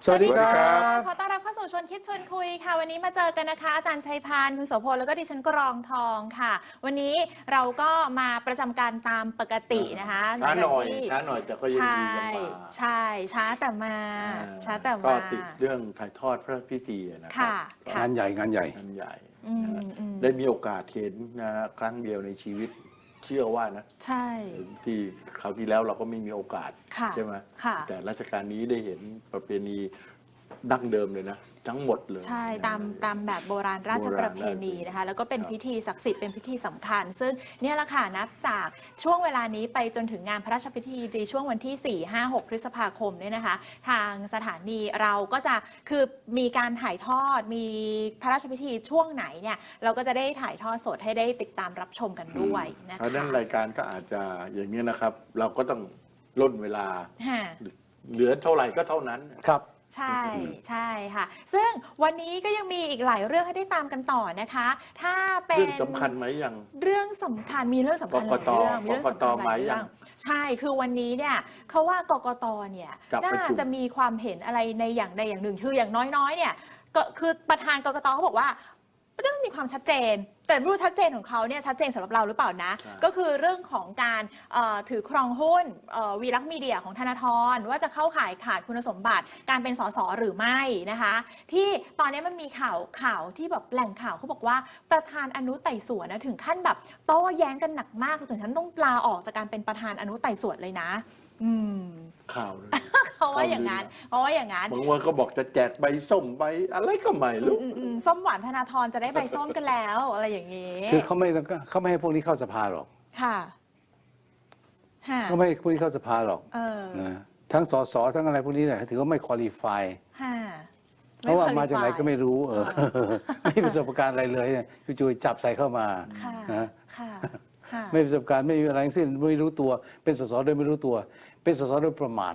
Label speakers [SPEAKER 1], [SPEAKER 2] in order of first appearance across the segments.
[SPEAKER 1] สวัสดีครับ
[SPEAKER 2] ขอต้อนรับเข้าสู่ชวนคิดชวนคุยค่ะวันนี้มาเจอกันนะคะอาจารย์ชัยพานคุณโสพลแล้วก็ดิฉันกรองทองค่ะวันนี้เราก็มาประจำการตามปกตินะคะ
[SPEAKER 1] ช้าหน่อยแต่ก็ยังดียังมา
[SPEAKER 2] ใช่ช้าแต่มา
[SPEAKER 1] ก็ติดเรื่องถ่ายทอดพระพิธีนะครั
[SPEAKER 2] ค่ะ
[SPEAKER 1] งานใหญ่ได้มีโอกาสเห็นนะครั้งเดียวในชีวิตเชื่อว่านะ
[SPEAKER 2] ใช่
[SPEAKER 1] ที่คราวที่แล้วเราก็ไม่มีโอกาสใช่ไหมแต่รัชกาลนี้ได้เห็นประเพณีดั้งเดิมเลยนะทั้งหมดเลย
[SPEAKER 2] ใช่ตามแบบโบราณราชประเพณีนะคะแล้วก็เป็นพิธีศักดิ์สิทธิ์เป็นพิธีสำคัญซึ่งเนี่ยแหละค่ะนับจากช่วงเวลานี้ไปจนถึงงานพระราชพิธีในช่วงวันที่ 4-5-6 พฤษภาคมเนี่ยนะคะทางสถานีเราก็จะคือมีการถ่ายทอดมีพระราชพิธีช่วงไหนเนี่ยเราก็จะได้ถ่ายทอดสดให้ได้ติดตามรับชมกันด้วยนะคะ
[SPEAKER 1] เพราะนั้นรายการก็อาจจะอย่างนี้นะครับเราก็ต้องล่นเวลาเหลือเท่าไหร่ก็เท่านั้น
[SPEAKER 3] ครับ
[SPEAKER 2] ใช่ค่ะซึ่งวันนี้ก็ยังมีอีกหลายเรื่องให้ได้ตามกันต่อนะคะถ้าเป็น
[SPEAKER 1] เรื่องสำคัญไหมยัง
[SPEAKER 2] เรื่องสำคัญมีเรื่องสำคัญหลายเรื่องมีเรื่องสำคัญหลายเรื่องใช่คือวันนี้เนี่ยเขาว่ากกตเนี่ยน่าจะมีความเห็นอะไรในอย่างใดอย่างหนึ่งคืออย่างน้อยๆเนี่ยก็คือประธานกกตเขาบอกว่าต้องมีความชัดเจนแต่ไม่รู้ชัดเจนของเขาเนี่ยชัดเจนสำหรับเราหรือเปล่านะก็คือเรื่องของการถือครองหุ้นวีลักษณ์มีเดียของธนาธรว่าจะเข้าข่ายขาดคุณสมบัติการเป็นสสหรือไม่นะคะที่ตอนนี้มันมีข่าวที่แบบแหล่งข่าวเขาบอกว่าประธานอนุไต่สวนนะถึงขั้นแบบโต้แย้งกันหนักมากถึงขั้นต้องลาออกจากการเป็นประธานอนุไต่สวนเลยนะ
[SPEAKER 1] ข่าวเลย
[SPEAKER 2] เขาว่าอย่างนั้นบาง
[SPEAKER 1] วันก็บอกจะแจกใบส้มใบอะไรก็ไม่รู้
[SPEAKER 2] ส้มหวานธนาธรจะได้ใบส้มกันแล้วอะไรอย่างนี้
[SPEAKER 3] คือเขาไม่ให้พวกนี้เข้าสภาหรอก
[SPEAKER 2] ค่ะ
[SPEAKER 3] เขาไม่ให้พวกนี้เข้าสภาหรอกนะทั้งสสทั้งอะไรพวกนี้เนี่ยถือว่าไม่คุริฟายเพราะว่ามาจากไหนก็ไม่รู้ไม่มีประสบการณ์อะไรเลยจู่ๆจับใส่เข้ามานะไม่มีประสบการณ์ไม่มีอะไรทั้งสิ้นไม่รู้ตัวเป็นสสโดยไม่รู้ตัวเป็นสสโดยประมาท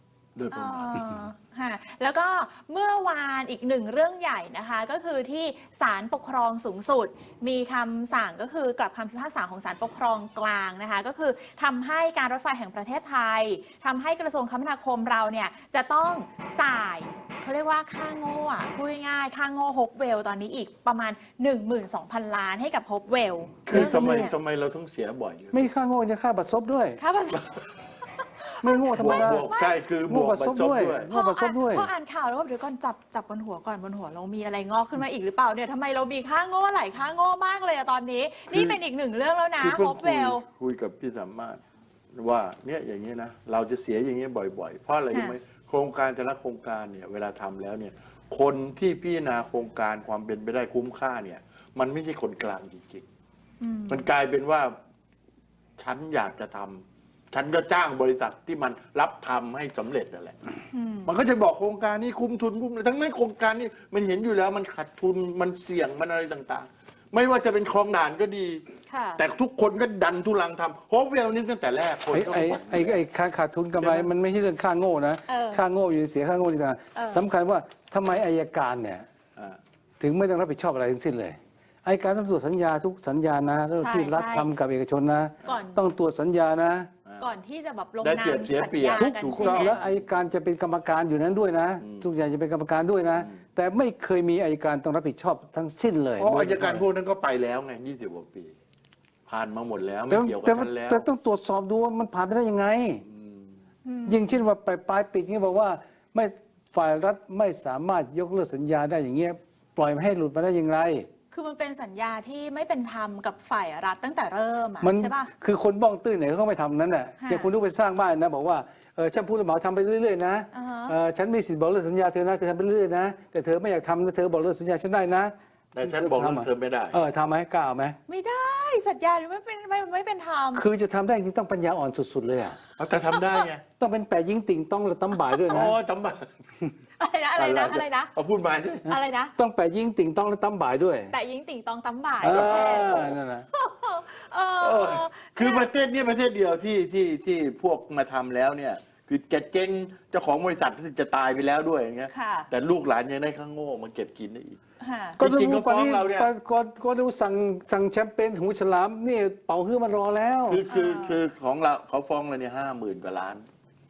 [SPEAKER 2] แล้วก็เมื่อวานอีกหนึ่งเรื่องใหญ่นะคะก็คือที่ศาลปกครองสูงสุดมีคำสั่งก็คือกลับคำพิพากษาของศาลปกครองกลางนะคะก็คือทำให้การรถไฟแห่งประเทศไทยทำให้กระทรวงคมนาคมเราเนี่ยจะต้องจ่ายเขาเรียกว่าค่าโง่พูดง่ายๆค่าโง่ฮกเวลตอนนี้อีกประมาณ 12,000 ล้านให้กับฮกเวล
[SPEAKER 1] คือทำไมเราต้องเสียบ่อย
[SPEAKER 3] ไม่ค่าโง่จะค่าบัตรซบด้วย
[SPEAKER 2] ค่าบัตรซบ
[SPEAKER 3] ไม่โง่ธรรมดา
[SPEAKER 1] ใช่คือบวกบัตรซบด้วย
[SPEAKER 2] พออ่านข่าวแล้วเดี๋ยวก่อนจับบนหัวก่อนบนหัวเรามีอะไรงอกขึ้นมาอีกหรือเปล่าเนี่ยทำไมเรามีค่าโง่หลายค่าโง่มากเลยตอนนี้นี่เป็นอีกหนึ่งเรื่องแล้วนะฮอปเวล
[SPEAKER 1] คุยกับพี่สามารถว่าเนี่ยอย่างนี้นะเราจะเสียอย่างนี้บ่อยๆเพราะอะไรรู้ไหมโครงการแต่ละโครงการเนี่ยเวลาทำแล้วเนี่ยคนที่พิจารณาโครงการความเป็นไปได้คุ้มค่าเนี่ยมันไม่ใช่คนกลางจริงๆมันกลายเป็นว่าฉันอยากจะทำฉันก็จ้างบริษัทที่มันรับทำให้สำเร็จนั่นแหละมันก็จะบอกโครงการนี้คุ้มทุนคุ้มทั้งนั้นโครงการนี้มันเห็นอยู่แล้วมันขาดทุนมันเสี่ยงมันอะไรต่างๆไม่ว่าจะเป็นคลองด่านก็ดีแต่ทุกคนก็ดันทุลังทำโฮปเวลนี่ตั้งแต่แรกคน
[SPEAKER 3] ไอ้ขาดทุนกำไรมันไม่ใช่เรื่องค่าโง่นะค่าโง่อยู่เสียค่าโง่ต่างๆสำคัญว่าทำไมอัยการเนี่ยถึงไม่ต้องรับผิดชอบอะไรทั้งสิ้นเลยอัยการต้องตรวจสัญญาทุกสัญญานะที่รัฐทำกับเอกชนนะต้องตรวจสัญญานะ
[SPEAKER 2] ก่อนที่จะแบบลงนามสัญญากัน
[SPEAKER 3] ถูกต้องแล้วอัยการจะเป็นกรรมการอยู่นั้นด้วยนะทุกอย่างจะเป็นกรรมการด้วยนะแต่ไม่เคยมีอัยการต้องรับผิดชอบทั้งสิ้นเลย
[SPEAKER 1] เพราะอัยการพวกนั้นก็ไปแล้วไง20 กว่าปีผ่านมาหมดแล้วไม่เกี่ยวกับฉันแล้ว
[SPEAKER 3] แต่ต้องตรวจสอบดูว่ามันผ่านไปได้ยังไงยิ่งเช่นว่าปลายปีนี้บอกว่าไม่ฝ่ายรัฐไม่สามารถยกเลิกสัญญาได้อย่างเงี้ยปล่อยให้หลุดมาได้อย่างไร
[SPEAKER 2] คือมันเป็นสัญญาที่ไม่เป็นธรรมกับฝ่ายรัฐตั้งแต่เริ่มใช่ป่ะ
[SPEAKER 3] คือคนบ้องตื้นเนี่ยเขาไม่ทำนั้นน่ะอย่างคุณลูกไปสร้างบ้านนะบอกว่าฉันพูดแล้วหมอทำไปเรื่อยๆนะฉันมีสิทธิ์บอกเลิกสัญญาเธอนะเธอทำไปเรื่อยๆนะแต่เธอไม่อยากทำนะเธอบอกเลิกสัญญาฉันได้นะ
[SPEAKER 1] แต่ฉันบอกเลิกเธอไม่ได้
[SPEAKER 3] ทำไหมกล้าไหม
[SPEAKER 2] ไม่ได้สัญญาไม่เป็นธรรม
[SPEAKER 3] คือจะทำได้จริงต้องปัญญาอ่อนสุดๆเลยอ่ะ
[SPEAKER 1] แต่ทำได้ไง
[SPEAKER 3] ต้องเป็นแปะยิงติ่งต้องและตั้มบ่ายด้วยนะ
[SPEAKER 1] ตั้มบ่าย
[SPEAKER 2] อะไรนะ
[SPEAKER 1] เอาพูดมาสิ
[SPEAKER 2] อะไรนะ
[SPEAKER 3] ต้องแปะยิงติ่งต้องและตั้มบ่ายด้วย
[SPEAKER 2] แปะยิงติ่งต้องตั้มบ่าย
[SPEAKER 3] นั่นแหละ
[SPEAKER 1] คือประเทศนี้ประเทศเดียวที่พวกมาทำแล้วเนี่ยคือจะเจ๊งเจ้าของบริษัทจะตายไปแล้วด้วยอย่างเงี้ยแต่ลูกหลานยังได้ข้างโง่มาเก็บกินได้อีก
[SPEAKER 3] ก็จริงก็ฟ้องเราเนี่ยก็ดูสั่งแชมเปญหูฉลามนี่เป่าฮื้อมันรอแล้ว
[SPEAKER 1] คือของเราเขาฟ้องเราเนี่ย50,000 กว่าล้าน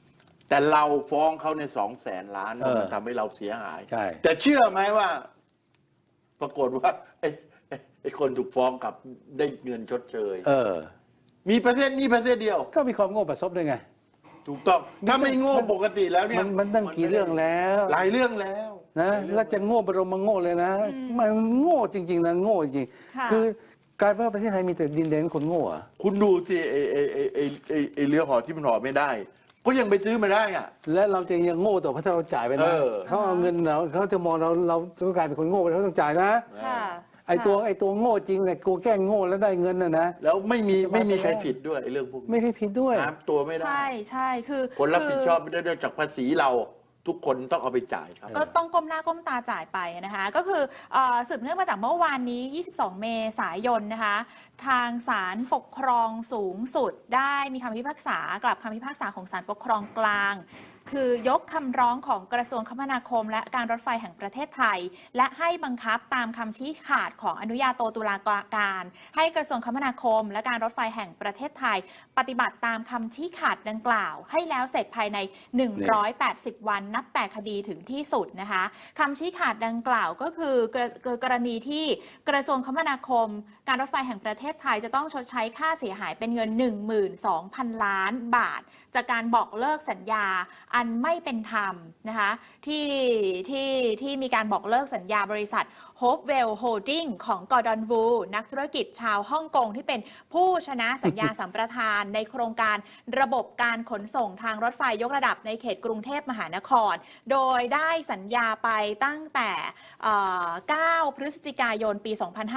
[SPEAKER 1] แต่เราฟ้องเขาใน200,000 ล้านมันทำให้เราเสียหาย
[SPEAKER 3] ใช่
[SPEAKER 1] แต่เชื่อไหมว่า ปรากฏว่าไอ้คนถูกฟ้องกลับได้เงินชดเชยมีประเทศนี้ประเทศเดียว
[SPEAKER 3] ก็มีความโง่ประสบด้วยไง
[SPEAKER 1] ถูกต้องถ้าไม่โง่ปกติแล้วเนี่ย
[SPEAKER 3] มันตั้งกี่เรื่องแล้ว
[SPEAKER 1] หลายเรื่องแล้ว
[SPEAKER 3] นะแล้วจะโง่บรมโง่เลยนะมันโง่จริงๆนะโง่จริง
[SPEAKER 2] ค่ะ
[SPEAKER 3] คือกลายเป็นว่าประเทศไทยมีแต่ดินแดนคนโง่อะ
[SPEAKER 1] คุณดูสิไอ้เรือห่อที่มันห่อไม่ได้ ก็ยังไปซื้อมาได้อ่ะ
[SPEAKER 3] และเราจะยังโง่ต่อเพราะถ้าเราจ่ายไปนะเขาเอาเงินเราจะมองเราจะกลายเป็นคนโง่ไปเราต้องจ่ายนะ
[SPEAKER 2] ค่ะ
[SPEAKER 3] ไอ้ตัวโง่จริงเนี่ยกูแกล้งโง่แล้วได้เงินนะ
[SPEAKER 1] แล้วไม่มีใครผิดด้วยไอ้เรื่องพวกนี้
[SPEAKER 3] ไม่ได้ผิดด้วย
[SPEAKER 1] หาตัวไม่ได้
[SPEAKER 2] ใช่คือ
[SPEAKER 1] คนรับผิดชอบไม่ได้ด้วยจากภาษีเรา ทุกคนต้องเอาไปจ่ายครับ
[SPEAKER 2] ก็ต้องก้มหน้าก้มตาจ่ายไปนะคะ ก็คือสืบเนื่องมาจากเมื่อวานนี้ 22 เมษายนนะคะ ทางศาลปกครองสูงสุดได้มีคำพิพากษากลับคำพิพากษาของศาลปกครองกลาง คือยกคำร้องของกระทรวงคมนาคม และการรถไฟแห่งประเทศไทย และให้บังคับตามคำชี้ขาดของอนุญาโตตุลาการ ให้กระทรวงคมนาคม และการรถไฟแห่งประเทศไทย ปฏิบัติตามคำชี้ขาดดังกล่าว ให้แล้วเสร็จภายใน 180 วันนับแต่คดีถึงที่สุดนะคะคำชี้ขาดดังกล่าวก็คือกรณีที่กระทรวงคมนาคม การรถไฟแห่งประเทศไทยจะต้องชดใช้ค่าเสียหายเป็นเงิน 12,000 ล้านบาท จากการบอกเลิกสัญญาอันไม่เป็นธรรมนะคะที่มีการบอกเลิกสัญญาบริษัท Hopewell Holding ของกอร์ดอนวูนักธุรกิจชาวฮ่องกงที่เป็นผู้ชนะสัญญา สัมปทานในโครงการระบบการขนส่งทางรถไฟยกระดับในเขตกรุงเทพมหานคร โดยได้สัญญาไปตั้งแต่9 พฤศจิกายนปี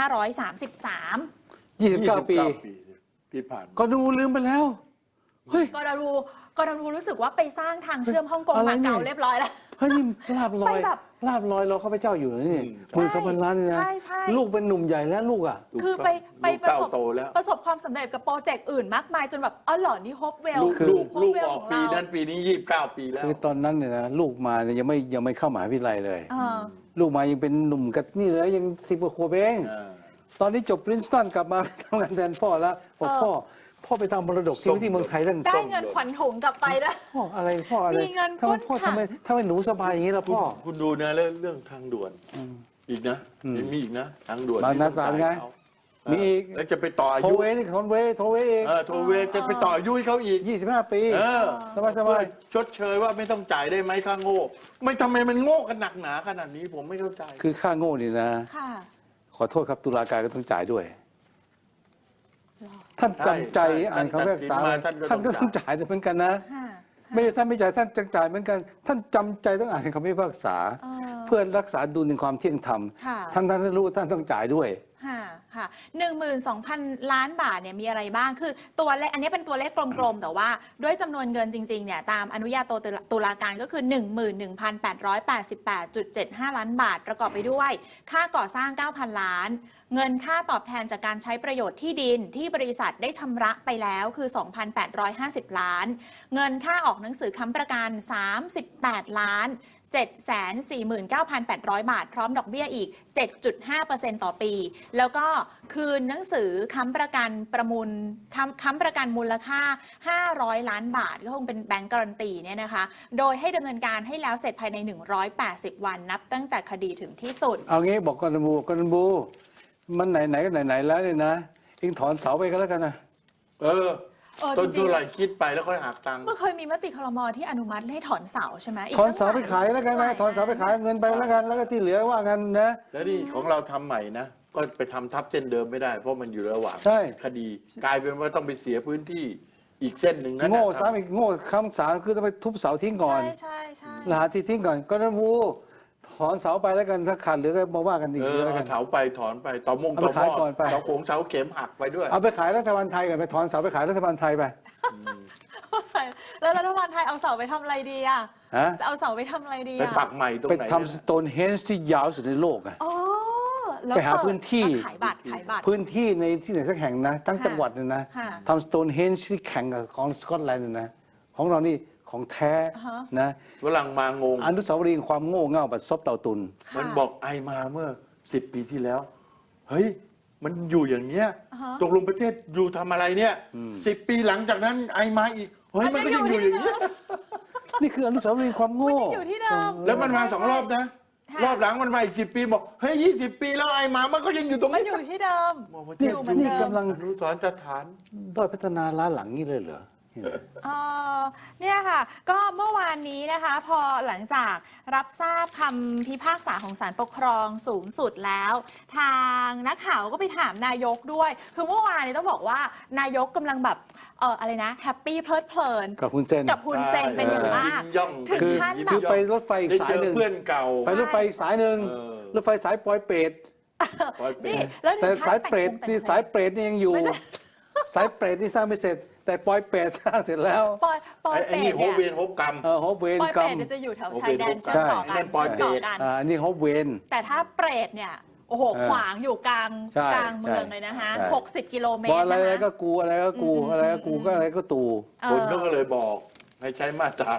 [SPEAKER 2] 2533
[SPEAKER 3] 29 ปี
[SPEAKER 1] ที่ผ่านมา
[SPEAKER 3] ก็ดูลืมไปแล้วเฮ้ย
[SPEAKER 2] กอร์ดอนวูรู้สึกว่าไปสร้างทางเชื่อมฮ่องกง
[SPEAKER 3] อะไร
[SPEAKER 2] มา
[SPEAKER 3] เนี่ย
[SPEAKER 2] เก่าเรียบร้อยแล้ว
[SPEAKER 3] เฮ้ยนี่ลาบลอย
[SPEAKER 2] ไปแบบ
[SPEAKER 3] ลาบลอยรอข้าพเจ้าอยู่นะนี่
[SPEAKER 2] ใช่
[SPEAKER 3] 12,000 ล้านนี่นะ
[SPEAKER 2] ใช่
[SPEAKER 3] ลูกเป็นหนุ่มใหญ่แล้วลูกอ่ะ
[SPEAKER 2] คือไป
[SPEAKER 1] ลูก
[SPEAKER 2] ประสบ
[SPEAKER 1] เต้าโตแล้ว
[SPEAKER 2] ประสบความสำเร็จกับโปรเจกต์อื่นมากมายจนแบบอ๋อเหรอนี่ฮอปเวล
[SPEAKER 1] ลูกออกปีนั้นปีนี้29 ปีแล้ว
[SPEAKER 3] คือตอนนั้นเนี่ยนะลูกมาเนี่ยยังไม่เข้ามหาวิทยาลัยเลย ลูกมายังเป็นหนุ่มกับนี่เลยยัง10 กว่าขวบเอง ตอนนี้จบปรินสตันกลับมาทำงานแทนพ่อแล้วบอกพ่อไปทำมรดกที่เมืองไทยตั้ง
[SPEAKER 2] ได้เงินขวัญถุงกลับไปนะ
[SPEAKER 3] พ่ออะไร
[SPEAKER 2] มีเงิน
[SPEAKER 3] ทำไมพ่อ
[SPEAKER 2] ก้นค่ะ
[SPEAKER 3] ทำไมหนูสบายอย่างนี้ล่ะพ่อ
[SPEAKER 1] คุณดูนะเรื่องทางด่วนอีกนะมีอีกนะทางด่วน
[SPEAKER 3] บางนาตราดไง มีอีก
[SPEAKER 1] แล้วจะไปต่ออา
[SPEAKER 3] โท
[SPEAKER 1] ยุ
[SPEAKER 3] เวนี่โทเวเอง
[SPEAKER 1] โทเวจะไปต่ออายุให้เขาอีก
[SPEAKER 3] 25 ปี สบาย
[SPEAKER 1] ชดเชยว่าไม่ต้องจ่ายได้ไหมค่าโง่ไม่ทำไมมันโง่กันหนักหนาขนาดนี้ผมไม่เข้าใจ
[SPEAKER 3] คือค่าโง่นี่นะ
[SPEAKER 2] ค่ะ
[SPEAKER 3] ขอโทษครับตุลาการก็ต้องจ่ายด้วย ท่านจำใจอ่านคำพิพากษาท่านก็ต้องจ่ายเหมือนกันนะ ไม่ใช่ท่านไม่จ่ายท่านจะจ่ายเหมือนกัน ท่านจำใจต้องอ่านคำพิพากษา เพื่อรักษาดุลในความเที่ยงธรรม
[SPEAKER 2] ค่ะ
[SPEAKER 3] ท่านรู้ท่านต้องจ่ายด้วย
[SPEAKER 2] ค่ะ 12,000 ล้านบาทเนี่ยมีอะไรบ้าง คือตัวเลขอันนี้เป็นตัวเลขกลมๆ แต่ว่าด้วยจำนวนเงินจริงๆ เนี่ยตามอนุญาโตตุลาการก็คือ 11,888.75 ล้านบาท ประกอบไปด้วยค่าก่อสร้าง 9,000 ล้าน เงินค่าตอบแทนจากการใช้ประโยชน์ที่ดินที่บริษัทได้ชำระไปแล้วคือ 2,850 ล้าน เงินค่าออกหนังสือค้ำประกัน 38 ล้าน 749,800 บาท พร้อมดอกเบี้ยอีก 7.5% ต่อปี แล้วก็คืนหนังสือค้ำประกันค้ำประกันมูลค่า 500 ล้านบาท ก็คงเป็นแบงก์การันตีเนี่ยนะคะ โดยให้ดำเนินการให้แล้วเสร็จภายใน 180 วันนับตั้งแต่คดีถึงที่สุด
[SPEAKER 3] เอางี้บอกกอนบูมันไหนก็ไหนแล้วเนี่ยนะเองถอนเสาไปก็แล้วกันนะ
[SPEAKER 1] ต้น
[SPEAKER 2] จริง
[SPEAKER 1] เท่าไหร่คิดไปแล้วค่อยหักตังค์
[SPEAKER 2] เมื่อเคยมีมติครม.ที่อนุมัติให้ถอนเสาใช่ไหม
[SPEAKER 3] ถอนเสาไปขายแล้วกันนะถอนเสาไปขายเงินไปแล้วกันแล้วก็ที่เหลือว่ากันนะ
[SPEAKER 1] แล้วนี่ของเราทำใหม่นะ ก็ไปทำทับเส้นเดิมไม่ได้ เพราะมันอยู่ระหว่าง
[SPEAKER 3] ใช่
[SPEAKER 1] คดี กลายเป็นว่าต้องไปเสียพื้นที่อีกเส้นหนึ่งนั่น
[SPEAKER 3] โง่
[SPEAKER 1] นะครับ
[SPEAKER 3] ซ้ำอีกโง่คำสารคือต้องไปทุบเสาทิ้งก่อน
[SPEAKER 2] ใช่
[SPEAKER 3] หาที่ทิ้งก่อนก็นั้นบูถอนเสาไปแล้วกันถ้าขาดเหลือก็มาว่ากันอีกทีแล้วกัน
[SPEAKER 1] เถาไปถอนไปต่อมง
[SPEAKER 3] เอา
[SPEAKER 1] ต่
[SPEAKER 3] ไป
[SPEAKER 1] อห
[SPEAKER 3] ขาย
[SPEAKER 1] ม้
[SPEAKER 3] ก่อนไป
[SPEAKER 1] เสาโขงเสาเข็มหักไปด้วย
[SPEAKER 3] เอาไปขายรัฐบาลไทยก่อนไปถอนเสาไปขายรัฐบาลไทยไป
[SPEAKER 2] แล้วรัฐบาลไทยเอาเสาไปทำอะไรดีอ่ะ
[SPEAKER 3] ฮะ
[SPEAKER 2] จะเอาเสาไปทำอะไรดี
[SPEAKER 1] ไป
[SPEAKER 2] อ่ะ
[SPEAKER 1] ปักใหม่ตรง
[SPEAKER 3] ไป
[SPEAKER 1] ไหน
[SPEAKER 3] ทำสโตนเฮนจ์ที่ยาวสุดในโลกอะ
[SPEAKER 2] อ๋อแล้ว
[SPEAKER 3] ไปหาพื้นที่
[SPEAKER 2] แล้วขายบัตร
[SPEAKER 3] พื้นที่ในที่ไหนสักแห่งนะทั้งจังหวัดเนี่ยนะ
[SPEAKER 2] ค่ะ
[SPEAKER 3] ทำสโตนเฮนจ์ที่แข่งกับของสกอตแลนด์เนี่ยนะของเรานี่ของแท้นะ
[SPEAKER 1] ฝรั่งมางง
[SPEAKER 3] อนุสาวรีย์ความโง่เง่าบัดซบเต่าตุน
[SPEAKER 1] มันบอกไอมาเมื่อ10 ปีที่แล้ว เฮ้ย มันอยู่อย่างเนี้ยตกลงประเทศอยู่ทำอะไรเนี่ย10 ปีหลังจากนั้นไอมาอีก เฮ้ย มันก็ยังอยู่อย่างนี้ย
[SPEAKER 3] นี่คืออนุสาวรีย์ความโง่
[SPEAKER 2] มันยังอยู่ที่เดิม
[SPEAKER 1] แล้วมันมาสองรอบนะ
[SPEAKER 2] ค่ะ
[SPEAKER 1] รอบหลังมันมาอีก10 ปีบอกเฮ้ย20 ปีแล้วไอ้หมามันก็ยังอยู่ตรง
[SPEAKER 2] มัน
[SPEAKER 1] นี้
[SPEAKER 2] อยู่ที่เดิม
[SPEAKER 1] บอกว่า
[SPEAKER 3] นี่
[SPEAKER 2] อยู่เหมือนเดิม
[SPEAKER 3] นี่กำลัง
[SPEAKER 1] อนุสรณ์สถาน
[SPEAKER 3] ด้อยพัฒนาล้าหลังนี่เลยเหรอ
[SPEAKER 2] เอ่อเนี่ยค่ะ ก็เมื่อวานนี้นะคะ พอหลังจากรับทราบคำพิพากษาของศาลปกครองสูงสุดแล้ว ทางนักข่าวก็ไปถามนายกด้วย คือเมื่อวานนี้ต้องบอกว่านายกกำลังแบบอะไรนะแฮปปี้เพลิดเพลิน
[SPEAKER 3] กับคุณเซน
[SPEAKER 2] กับคุณเซนเป็นอย่างมาก
[SPEAKER 1] ยิ้ย่อง
[SPEAKER 2] ถึง
[SPEAKER 3] คือ
[SPEAKER 2] ขั้น
[SPEAKER 1] ยิ้ม
[SPEAKER 2] แบบ
[SPEAKER 3] คือไปรถไฟอีก
[SPEAKER 1] ได้
[SPEAKER 3] สา
[SPEAKER 1] เจ
[SPEAKER 3] ย
[SPEAKER 1] อ
[SPEAKER 3] หนึ่ง
[SPEAKER 1] เพื่อนเก่า
[SPEAKER 3] ไปรถไฟอีกสายหนึ่ง
[SPEAKER 1] เออ
[SPEAKER 3] รถไฟสายปอยเปรต
[SPEAKER 1] ปล่อยเป็
[SPEAKER 2] นี่
[SPEAKER 1] น
[SPEAKER 2] แล้ว
[SPEAKER 3] แต่
[SPEAKER 2] ถึงขั้
[SPEAKER 3] สาย
[SPEAKER 2] น
[SPEAKER 3] เปรตนี่สายเปรตนี่ยังอยู่
[SPEAKER 2] ไม่ใช่
[SPEAKER 3] สายเปรตนี่สร้างไม่เสร็จ แต่ปอยเปรตสร้างเสร็จแล้ว
[SPEAKER 2] ปอย
[SPEAKER 1] ไอ้
[SPEAKER 2] เปร
[SPEAKER 1] นี่
[SPEAKER 2] ต
[SPEAKER 1] โฮ
[SPEAKER 2] เนี่ย
[SPEAKER 1] เวนโฮกรรม
[SPEAKER 3] โฮปเวน
[SPEAKER 2] ปอย
[SPEAKER 3] กร
[SPEAKER 2] เป
[SPEAKER 3] ร
[SPEAKER 2] รต
[SPEAKER 3] ม
[SPEAKER 2] เนี่ยจะอยู่แถว
[SPEAKER 1] โอเค
[SPEAKER 2] ชายแดนเชื่อมต่อ
[SPEAKER 1] ใช่
[SPEAKER 2] กั
[SPEAKER 1] นั่
[SPEAKER 2] น
[SPEAKER 1] นปอยเปรต
[SPEAKER 2] ชื่มต่อกัน
[SPEAKER 3] อันนี้โฮปเวน
[SPEAKER 2] แต่ถ้าเปรตเนี่ยโอ้โห
[SPEAKER 3] เออ
[SPEAKER 2] ขวางอยู่กลาง
[SPEAKER 3] ใช่
[SPEAKER 2] กลางเมืองเลยนะคะ
[SPEAKER 3] ใช่
[SPEAKER 2] 60 กิโลเม
[SPEAKER 3] บอ
[SPEAKER 2] ต
[SPEAKER 3] ล
[SPEAKER 2] ร
[SPEAKER 3] อะไร
[SPEAKER 2] นะคะ
[SPEAKER 3] ก็กูอะไรก็กูอะไรก็กูก็อะไรก็ตู
[SPEAKER 1] คนเขาก็เลยบอกให้ใช้มาตรา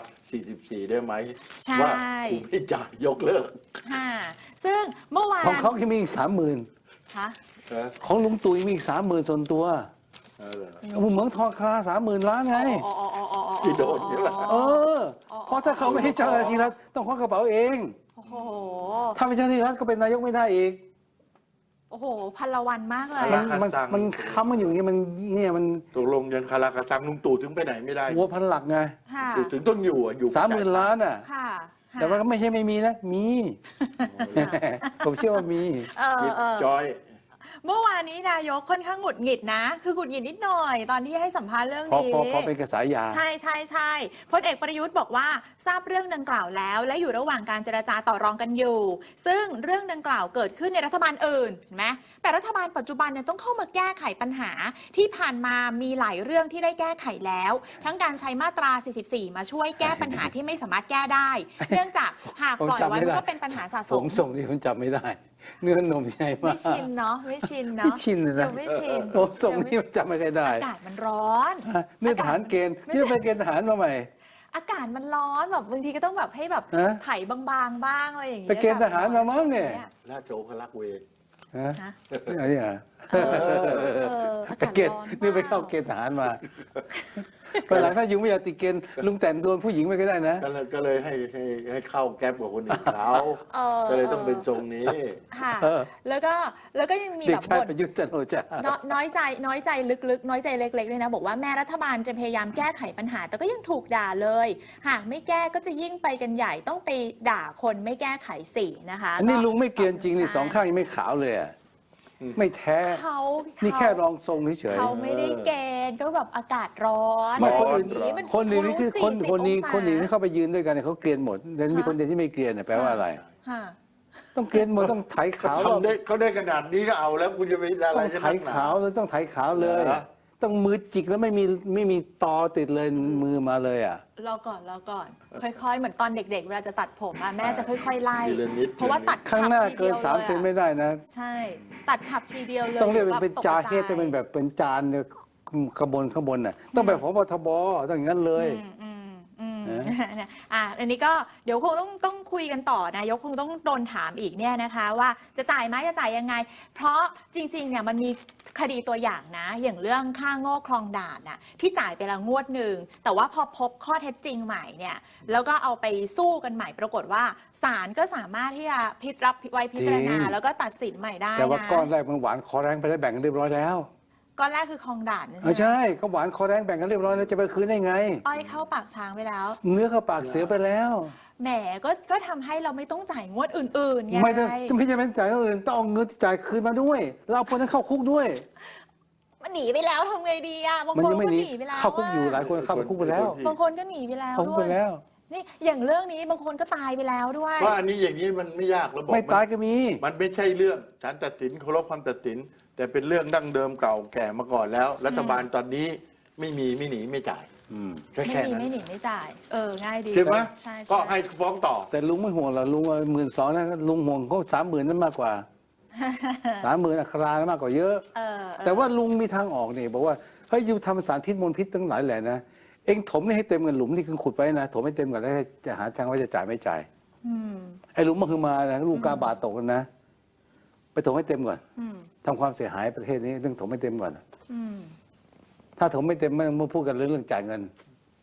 [SPEAKER 1] 44 ได้ไหม
[SPEAKER 2] ใช่
[SPEAKER 1] ว่ากูไม่จ่ายยกเลิก
[SPEAKER 2] ค่ะซึ่งเมื่อวาน
[SPEAKER 3] ของเขาที่มีอีก30,000
[SPEAKER 2] คะ
[SPEAKER 1] นะ
[SPEAKER 3] ของลุงตู่มีอีก30,000ส่วนตัว
[SPEAKER 1] เออ
[SPEAKER 3] เหมืองทองคา30,000 ล้านไง
[SPEAKER 2] อ๋ออ๋ออ๋ออ๋ออ๋อ
[SPEAKER 1] ที่โดนใช่ไหม
[SPEAKER 3] เออ เพราะถ้าเขาไม่ให้เจ้าหน้าที่รัฐต้องควักกระเป๋าเอง
[SPEAKER 2] โอ้โห
[SPEAKER 3] ถ้าเป็นเจ้าหน้าที่รัฐก็เป็นนายกไม่ได้อีก
[SPEAKER 2] โอ้โหพันละวันมากเลย
[SPEAKER 3] มัน
[SPEAKER 2] อะ
[SPEAKER 3] มันค้ำมันอยู่อย่างนี้มันเนี่ยมัน
[SPEAKER 1] ตกลงยังคาราคาซังลุงตู่ถึงไปไหนไม่ได้
[SPEAKER 3] หัวพันหลักไง
[SPEAKER 2] ค่ะ
[SPEAKER 1] ถึงต้องอยู่อ่ะอยู่
[SPEAKER 3] 30,000 ล้านอ่ะ
[SPEAKER 2] ค่ะค่ะ
[SPEAKER 3] แต่ว่าก็ไม่ใช่ไม่มีนะ มี ผมเชื่อว่ามี
[SPEAKER 2] เออ
[SPEAKER 1] ยิบ
[SPEAKER 2] เออ
[SPEAKER 1] จอย
[SPEAKER 2] เมื่อวานนี้นายกค่อนข้างหงุดหงิดนะ คือหงุดหงิดนิดหน่อย ตอนที่ให้สัมภาษณ์เรื่อง
[SPEAKER 3] พอ
[SPEAKER 2] นี้
[SPEAKER 3] พอเป็นกระแสายา
[SPEAKER 2] ใช่ใช่ใช่พลเอกประยุทธ์บอกว่าทราบเรื่องดังกล่าวแล้ว และอยู่ระหว่างการเจรจาต่อรองกันอยู่ ซึ่งเรื่องดังกล่าวเกิดขึ้นในรัฐบาลอื่นเห็นไหมแต่รัฐบาลปัจจุบันเนี่ยต้องเข้ามาแก้ไขปัญหาที่ผ่านมามีหลายเรื่องที่ได้แก้ไขแล้ว ทั้งการใช้มาตรา 44 มาช่วยแก้ปัญหาที่ไม่สามารถแก้ได้ เนื่องจากหากปล่อยไว้มันก็เป็นปัญหาสะส
[SPEAKER 3] ผม
[SPEAKER 2] ม
[SPEAKER 3] ส่งที่ผมจำไม่ได้ เนื้อนมใหญ่มา
[SPEAKER 2] ไม่
[SPEAKER 3] ก
[SPEAKER 2] ชินเนาะไม่ชิน
[SPEAKER 3] ไม่
[SPEAKER 2] เนาะ
[SPEAKER 3] ชินเลยนะ
[SPEAKER 2] ยังไม่ชิน
[SPEAKER 3] ผมส่งนี่มันจำไม่ค่อยได้
[SPEAKER 2] อากาศมันร้อน
[SPEAKER 3] นี่ทหารเกณฑ์
[SPEAKER 2] ไม่
[SPEAKER 3] นี่
[SPEAKER 2] ใช่
[SPEAKER 3] ไปเกณฑ์ทหารมาใหม่
[SPEAKER 2] อากาศมันร้อนแบบบางทีก็ต้องแบบให้แบบ
[SPEAKER 3] ฮะ
[SPEAKER 2] ไถบางๆบ้างอะไรอย่างเงี้ย
[SPEAKER 3] ไปเกณฑ์ทหารมามั้งเนี่ย
[SPEAKER 1] ราชโอคลักษ์เวร
[SPEAKER 3] ฮะ
[SPEAKER 2] ฮะ
[SPEAKER 3] อันนี้อ่ะ
[SPEAKER 2] อา
[SPEAKER 3] ไป
[SPEAKER 2] กาศ
[SPEAKER 3] เกณฑ์
[SPEAKER 2] ร้อน
[SPEAKER 3] นี่ไปเข้าเกณฑ์ทหารมาไปหลังถ้ายุงไม่อยากติดเกณฑ์ลุงแต่งโดนผู้หญิงไปก็ได้นะ
[SPEAKER 1] ก็เลยให้เข้าแก๊ปกับคนอื่นเขา ก็เลยต้องเป็นทรงนี้
[SPEAKER 2] ค่ะ
[SPEAKER 3] เออ
[SPEAKER 2] แล้วก็ยังมี
[SPEAKER 3] เด็
[SPEAKER 2] แบ
[SPEAKER 3] ก
[SPEAKER 2] บ
[SPEAKER 3] ชาย
[SPEAKER 2] บ่น
[SPEAKER 3] ประยุทธ์จันทร์โอชา
[SPEAKER 2] น้อยใจลึกๆ น้อยใจเล็กๆด้วยนะ บอกว่าแม่รัฐบาลจะพยายามแก้ไขปัญหา แต่ก็ยังถูกด่าเลย หากไม่แก้ก็จะยิ่งไปกันใหญ่ต้องไปด่าคนไม่แก้ไขสินะคะ
[SPEAKER 3] อันนี้ลุงไม่เกณฑ์จริงนี่สองข้างยังไม่ขาวเลยอ่ะไม่แท้
[SPEAKER 2] เขา
[SPEAKER 3] นี่แค่รองทรงเฉย
[SPEAKER 2] เขาไม่ได้เกณฑ์ก็แบบอากาศร้อน
[SPEAKER 3] ไม่
[SPEAKER 1] คนอื่น
[SPEAKER 2] มั
[SPEAKER 3] คนหนึ่งนี่คือคน
[SPEAKER 2] 40
[SPEAKER 3] คนนี้
[SPEAKER 2] องศา
[SPEAKER 3] คนหนึ่งที่เข้าไปยืนด้วยกันเนี่ยเขาเกลียนหมดแต่มีคนเดียวที่ไม่เกลียนเนี่ยแปลว่าอะไร
[SPEAKER 2] ค่ะ
[SPEAKER 3] ต้องเกลียนหมดต้องไถขาวแล้ว
[SPEAKER 1] เขาได้ขนาดนี้ก็เอาแล้วคุณจะไปอะไร
[SPEAKER 3] ต้อง
[SPEAKER 1] จะ
[SPEAKER 3] ไถ
[SPEAKER 1] นักหนา
[SPEAKER 3] ขาวเลยต้องไถขาวเลย
[SPEAKER 1] เหรอ
[SPEAKER 3] ต้องมือจิกแล้วไม่มีตอติดเลยมือมาเลยอ่ะ
[SPEAKER 2] รอก่อน ค่อยๆ เหมือนตอนเด็กๆ เวลาจะตัดผมอะแม่จะค่อยๆ ไล่
[SPEAKER 1] ทีละนิด
[SPEAKER 2] เพราะว่าตัด
[SPEAKER 3] ข้าง
[SPEAKER 2] ฉับ
[SPEAKER 3] หน้า
[SPEAKER 2] ที
[SPEAKER 3] เกิ
[SPEAKER 2] เดี
[SPEAKER 3] น
[SPEAKER 2] ยว
[SPEAKER 3] 3 เซนไม่ได้นะ
[SPEAKER 2] ใช่ ตัดฉับทีเดียวเลย
[SPEAKER 3] ต้องเรียก
[SPEAKER 2] ดี๋ว
[SPEAKER 3] เป็น
[SPEAKER 2] แบบ
[SPEAKER 3] จา
[SPEAKER 2] ตก
[SPEAKER 3] เฮด
[SPEAKER 2] ใจ
[SPEAKER 3] จะเป็นแบบเป็นจานเนี่ยข้างบนน่ะต้องแบบพบทบต้องอย่างนั้นเลย
[SPEAKER 2] อืม
[SPEAKER 3] เอ๊ะ
[SPEAKER 2] อันนี้ก็เดี๋ยวคงต้องคุยกันต่อนายกคงต้องโดนถามอีกเนี่ยนะคะ ว่าจะจ่ายไหมจะจ่ายยังไง เพราะจริงๆเนี่ยมันมีคดีตัวอย่างนะ อย่างเรื่องค่าโง่คลองด่านน่ะที่จ่ายไปแล้วงวดหนึ่งแต่ว่าพอพบข้อเท็จจริงใหม่เนี่ยแล้วก็เอาไปสู้กันใหม่ปรากฏว่าศาลก็สามารถที่จะรับไว้พิจารณา
[SPEAKER 3] จริง
[SPEAKER 2] แล้วก็ตัดสินใหม่ได้
[SPEAKER 3] แต่ว่า
[SPEAKER 2] นะ
[SPEAKER 3] ก้อนแรกมันหวานคอแรงไปได้แบ่งกันเรียบร้อยแล้ว
[SPEAKER 2] ก้อนแรกคือคลองด่าน
[SPEAKER 3] ไม่ใช่ก็หวานคอแรงแบ่งกันเรียบร้อยแล้วจะไปคืนได้ไง
[SPEAKER 2] อ้อยเข้าปากช้างไปแล้ว
[SPEAKER 3] เนื้อเข้าปากเสียไปแล้ว
[SPEAKER 2] แหมก็ทำให้เราไม่ต้องจ่ายงวดอื่นๆไง
[SPEAKER 3] ไม่ต้องไม่จำเป็นจ่ายเงินอื่นต้องเอาเงินที่จ่ายคืนมาด้วยแล้วเอาคนนั้นเข้าคุกด้วย
[SPEAKER 2] มันหนีไปแล้วทำไงดีอ่ะบาง
[SPEAKER 3] มัน
[SPEAKER 2] คน
[SPEAKER 3] ยังไม่
[SPEAKER 2] ก็
[SPEAKER 3] หนี
[SPEAKER 2] หนีไปแล้ว
[SPEAKER 3] เข้าคุกอยู่หลายคนเข้าคุกไปแล้ว
[SPEAKER 2] บางคนก็หนีไปแล้ว
[SPEAKER 3] เข้าคุก
[SPEAKER 2] ด้
[SPEAKER 3] ไป
[SPEAKER 2] วย
[SPEAKER 3] แล้ว
[SPEAKER 2] นี่อย่างเรื่องนี้บางคนก็ตายไปแล้วด้วย
[SPEAKER 1] ว่าอันนี้อย่างนี้มันไม่ยากระบบ
[SPEAKER 3] ไม่ตายก็มี
[SPEAKER 1] มันไม่ใช่เรื่องศาลตัดสินเคารพคำตัดสิน แต่เป็นเรื่องดั้งเดิมเก่าแก่มาก่อนแล้ว รัฐบาลตอนนี้ไม่หนีไม่จ่าย
[SPEAKER 3] อืม
[SPEAKER 1] แค่
[SPEAKER 2] ไม่
[SPEAKER 1] แค่
[SPEAKER 2] มี
[SPEAKER 1] นั้น
[SPEAKER 2] ไม่หนีไม่จ่าย ง่ายดี
[SPEAKER 1] ใช่ไหม
[SPEAKER 2] ใช่
[SPEAKER 1] ก็ให้ฟ้องต่อ
[SPEAKER 3] แต่ลุงไม่ห่วงหรอกลุง12,000นะลุงห่วงเขา30,000นั่นมากกว่า 30,000อัครานั้นมากกว่าเยอะ แต่ว่าลุงมีทางออกนี่บอกว่าเฮ้ยอยู่ทำสารพิษมลพิษตั้งหลายแหล่นะ เองถมนี่ให้เต็มกันหลุมที่คุณขุดไว้นะถมให้เต็มก่อนแล้วจะหาทางว่าจะจ่ายไม่จ่าย
[SPEAKER 2] อืม
[SPEAKER 3] ไอ้หลุมมันคือมานะลูกกาบาทตกกันนะ ไปถมให้เต็มก่อน
[SPEAKER 2] อืม
[SPEAKER 3] ทำความเสียหายประเทศนี้ต้องถมให้เต็มก่อน
[SPEAKER 2] อืม
[SPEAKER 3] ถ้าถมไม่เต็มไม่ต้องมาพูดกันเรื่องจ่ายเงิน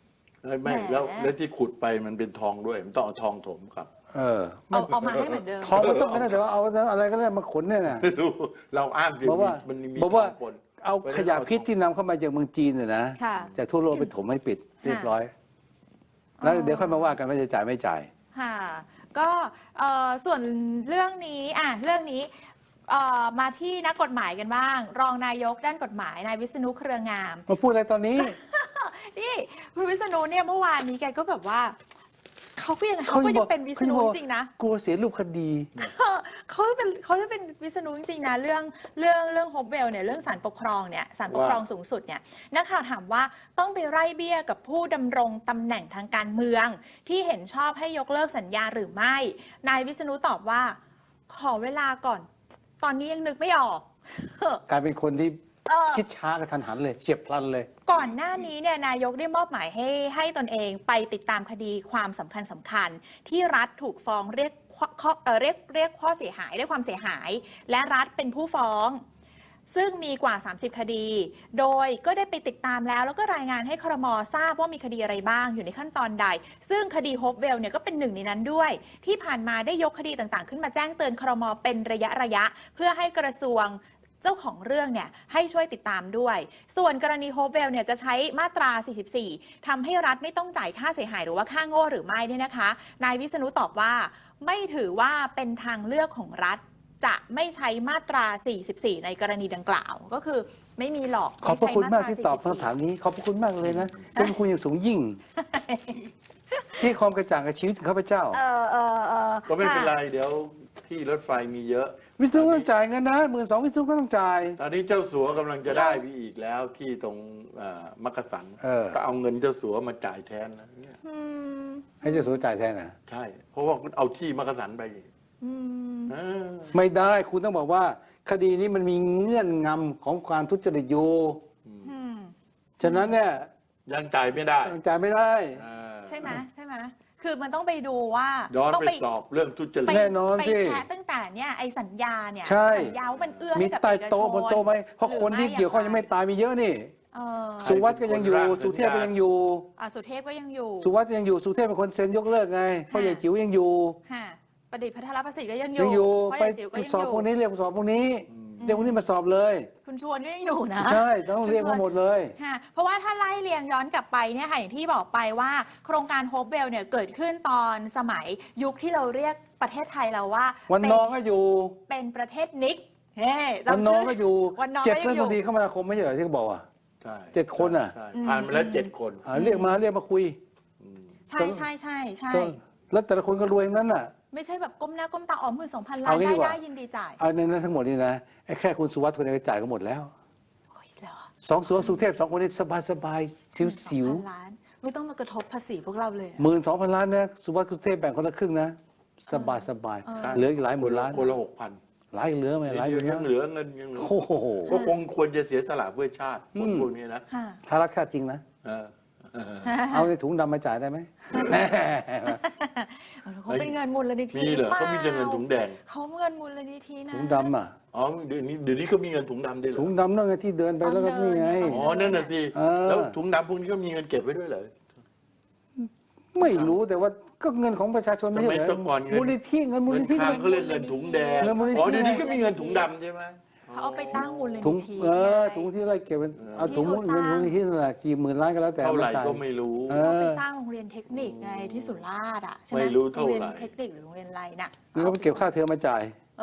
[SPEAKER 1] ไม่
[SPEAKER 2] แหม
[SPEAKER 1] แล้วที่ขุดไปมันเป็นทองด้วยมันต้องเอาทองถมครับ
[SPEAKER 2] เอามาให้เหมือนเดิม
[SPEAKER 3] ทองมันต้องได้แต่ว่าเอาอะไรก็ได้มาขนเนี่ยนะ
[SPEAKER 1] ไม่รู้เราอ้างถึง
[SPEAKER 3] บอกว่า
[SPEAKER 1] มันมี
[SPEAKER 3] บอกว่า
[SPEAKER 1] ทองปน
[SPEAKER 3] เอาขยะพิษที่นำเข้ามาจากเมืองจีนเนี่ยนะ
[SPEAKER 2] ค่ะ
[SPEAKER 3] จากทั่วโลกไปถมให้ปิดเรียบร้อย แล้วเดี๋ยวค่อยมาว่ากันว่าจะจ่ายไม่จ่าย
[SPEAKER 2] ค่ะก็ส่วนเรื่องนี้เรื่องนี้มาที่นักกฎหมายกันบ้าง รองนายกด้านกฎหมายนายวิษณุเครืองาม
[SPEAKER 3] มาพูดอะไรตอนนี้
[SPEAKER 2] นี่คุณวิษณุเนี่ยเมื่อวานนี้แกก็แบบว่าเขาก็ยังเป็นวิษณุจริงๆนะ
[SPEAKER 3] กลัวเสียรูปคดี
[SPEAKER 2] เขาจะเป็นวิษณุจริงๆนะเรื่องโฮปเวลเนี่ยเรื่องศาลปกครองเนี่ยศาลปกครองสูงสุดเนี่ยนักข่าวถามว่าต้องไปไล่เบี้ยกับผู้ดำรงตำแหน่งทางการเมือง ที่เห็นชอบให้ยกเลิกสัญญาหรือไม่นายวิษณุตอบว่าขอเวลาก่อนตอนนี้ยังนึกไม่ออก
[SPEAKER 3] กลายเป็นคนที่คิดช้ากระทันหันเลยเฉียบพลันเลย
[SPEAKER 2] ก่อนหน้านี้เนี่ยนายกได้มอบหมายให้ตนเองไปติดตามคดีความสำคัญที่รัฐถูกฟ้องเรียกข้อเสียหายเรียกความเสียหาย และรัฐเป็นผู้ฟ้อง ซึ่งมีกว่า 30 คดี โดยก็ได้ไปติดตามแล้วก็รายงานให้ครม.ทราบว่ามีคดีอะไรบ้างอยู่ในขั้นตอนใด ซึ่งคดีโฮปเวลเนี่ยก็เป็นหนึ่งในนั้นด้วย ที่ผ่านมาได้ยกคดีต่างๆ ขึ้นมาแจ้งเตือนครม.เป็นระยะเพื่อให้กระทรวงเจ้าของเรื่องเนี่ยให้ช่วยติดตามด้วย ส่วนกรณีโฮปเวลเนี่ยจะใช้มาตรา 44 ทำให้รัฐไม่ต้องจ่ายค่าเสียหายหรือว่าค่าโง่หรือไม่เนี่ยนะคะนายวิษณุตอบว่าไม่ถือว่าเป็นทางเลือกของรัฐจะไม่ใช้มาตรา 44 ในกรณีดังกล่าว ก็คือไม่มีหรอก
[SPEAKER 3] ขอบพระคุณมากที่ตอบคำถามนี้ ขอบพระคุณมากเลยนะเป็นคุณอย่างสูงยิ่ง ที่ความกระจ่างกับชีวิตของข้าพเจ้า
[SPEAKER 1] ก็ไม่เป็นไรเดี๋ยวที่รถไฟมีเยอะ
[SPEAKER 3] วิศนุต้องจ่ายเงินนะ12,000วิศนุก็ต้องจ่าย
[SPEAKER 1] ตอนนี้เจ้าสัวกำลังจะได้ไปอีกแล้วที่ตรงมักกะสันก็เอาเงินเจ้าสัวมาจ่ายแทนนะเนี่ย
[SPEAKER 3] ให้เจ้าสัวจ่ายแทนนะ
[SPEAKER 1] ใช่ เพราะว่าคุณเอาที่มักกะสันไปอีกเออ
[SPEAKER 3] ไม่ได้คุณต้องบอกว่า คดีนี้มันมีเงื่อนงำของการทุจริตอยู่ฉะนั้นเนี่ย
[SPEAKER 1] ยังจ่ายไม่ได้
[SPEAKER 3] จ่ายไม่ได้
[SPEAKER 2] ใช่ไหมคือมันต้องไปดูว่า
[SPEAKER 1] ย้อน
[SPEAKER 2] ต้อง
[SPEAKER 1] ไปสอบเรื่องทุจริต
[SPEAKER 3] แน่นอน
[SPEAKER 2] ไป
[SPEAKER 3] สิ
[SPEAKER 2] แคะตั้งแต่เนี่ยไอ้สัญญาเนี่ย
[SPEAKER 3] ใช่
[SPEAKER 2] สัญญาว่ามันเอื้อ
[SPEAKER 3] มี
[SPEAKER 2] ให้กับ
[SPEAKER 3] ใต้
[SPEAKER 2] เอกชน
[SPEAKER 3] โต๊ะบนโต๊ะไหมเพราะคนที่เกี่ยวข้องยังไม่ตายมีเยอะนี่
[SPEAKER 2] เออ
[SPEAKER 3] สุวัสด์ก็ยังอยู่ สุเทพก็ยังอยู่
[SPEAKER 2] สุเทพก็ยังอยู่
[SPEAKER 3] สุวัสด์ยังอยู่ สุเทพเป็นคนเซ็นยกเลิกไงพ่อใหญ่จิ๋วยังอยู่
[SPEAKER 2] ค่ะประดิษฐ์พัทรประสิทธิ์ก็ยังอ
[SPEAKER 3] ยั
[SPEAKER 2] ยู่
[SPEAKER 3] งอยู่
[SPEAKER 2] พ่อ
[SPEAKER 3] ไป
[SPEAKER 2] ใหญ่จิ๋วก็ยัง
[SPEAKER 3] สอบ
[SPEAKER 2] อยู่
[SPEAKER 3] พวกนี้เรียกสอบพวกนี้เรียกพวกนี้มาสอบเลย
[SPEAKER 2] คุณชวนก็ยังอยู่นะ
[SPEAKER 3] ใช่ต้องเรียกมาหมดเลย
[SPEAKER 2] ค่ะเพราะว่าถ้าไล่เรียงย้อนกลับไปเนี่ยค่ะอย่างที่บอกไปว่า โครงการโฮปเวลเนี่ยเกิดขึ้นตอนสมัยยุคที่เราเรียกประเทศไทยเราว่า
[SPEAKER 3] วันนองก็อยู่
[SPEAKER 2] เป็นประเทศนิกเฮ้
[SPEAKER 3] วัน
[SPEAKER 2] จำ
[SPEAKER 3] นอ
[SPEAKER 2] ชื่
[SPEAKER 3] งก็อยู่
[SPEAKER 2] วันนอง
[SPEAKER 3] เจ็ด
[SPEAKER 2] ก็ยั
[SPEAKER 3] เรื่อง ง
[SPEAKER 2] อยู่
[SPEAKER 3] คดีคมนาคมไม่ใช่เหรอที่เขาบอกอ่ะ
[SPEAKER 1] ใช่
[SPEAKER 3] 7 คนอ่ะ
[SPEAKER 1] ใช่ผ่านมาแล้ว7 คน
[SPEAKER 3] เรียกมาคุย
[SPEAKER 2] ใช่ใช่ใช่ใช่
[SPEAKER 3] แล้วแต่ละคนก็รวยทั้งนั้นน่ะ
[SPEAKER 2] ไม่ใช่แบบก้มหน้าก้มตาอ๋อ12,000 ล้า
[SPEAKER 3] เอา
[SPEAKER 2] น
[SPEAKER 3] งี้ดีกว่า
[SPEAKER 2] ได้ยินดีจ่าย
[SPEAKER 3] เอาในนั้นทั้งหมดนี่นะไอ้แค่คุณสุวัสดิ์คนเดียวก็จ่ายก็หมดแล้ว
[SPEAKER 2] โอ้ยเหรอ
[SPEAKER 3] 2 สุเทพ2 คนนี้สบายสิว
[SPEAKER 2] 12,000 ล้านไม่ต้องมากระทบภาษีพวกเราเลย
[SPEAKER 3] 12,000 ล้านนะสุวัสดิ์สุเทพแบ่งคนละครึ่งนะสบายเหลืออีกหลายหมื่นล้าน
[SPEAKER 1] คนละ 6,000
[SPEAKER 3] หลายเหลือไหมหลายหมื่น
[SPEAKER 1] ยังเหลือเงินยังเหลือ
[SPEAKER 3] โอ้โห
[SPEAKER 1] ก็คงควรจะเสียสละเพื่อชาติคนพวกนี้นะ
[SPEAKER 2] ค่ะ
[SPEAKER 3] ถ้ารักชาติจริงนะ
[SPEAKER 1] เออ
[SPEAKER 3] เอาในถุงดำมาจ่ายได้ไหม
[SPEAKER 2] เขาเป็นเงินมูลนิธิ
[SPEAKER 1] มีเหรอเขามีแต่เงินถุงแดง
[SPEAKER 2] เขาเงินมูลนิธินะ
[SPEAKER 3] ถุงดำอ่ะ
[SPEAKER 1] อ๋อเดี๋ยวนี้เขามีเงินถุงดำด้วยเหรอ
[SPEAKER 3] ถุงดำนั่นไงที่เดินไปแล้วก็นี่ไง
[SPEAKER 1] อ๋อนั่นน่ะสิ
[SPEAKER 3] เออ
[SPEAKER 1] แล้วถุงดำพวกนี้ก็มีเงินเก็บไว้ด้วยเหรอ
[SPEAKER 3] ไม่รู้แต่ว่าก็เงินของประชาชนไม่ใช่เหร
[SPEAKER 1] ทำไมต้องก่อนเงิน
[SPEAKER 3] มูลนิธิเงินมูล
[SPEAKER 1] เงิน
[SPEAKER 3] นิธิ
[SPEAKER 1] ทางเขาเรียกเงินถุงแดง
[SPEAKER 3] เงินมูลนิธิ
[SPEAKER 1] อ๋อเดี๋ยวนี้ก็มีเงินถุงดำใช่ไหม
[SPEAKER 2] เขาเอาไปตั้งมูลนิ
[SPEAKER 3] ถุง
[SPEAKER 2] ธิ
[SPEAKER 3] ถุงที่อะไรเก็บเป็นเอาถุง
[SPEAKER 2] ที่เขาสร้าง
[SPEAKER 3] เงินมูลนิธินั่นแหละกี่หมื่นล้านก็แล้วแต่
[SPEAKER 1] เท่าไหร่
[SPEAKER 3] จ่ย
[SPEAKER 1] ก็ไม่รู้
[SPEAKER 3] เอ
[SPEAKER 2] เขาไป
[SPEAKER 3] อ
[SPEAKER 2] สร้างโรงเรียนเทคนิคไงที่สุราษฎร์อ่ะใช่ไหม
[SPEAKER 1] ไม่รู้เท่าไหร่
[SPEAKER 2] โรงเรียนเทคนิคหรือโรงเรียนอะไรน่ะ
[SPEAKER 3] แล้วก็ไปเก็บค่าเทอมมาจ่าย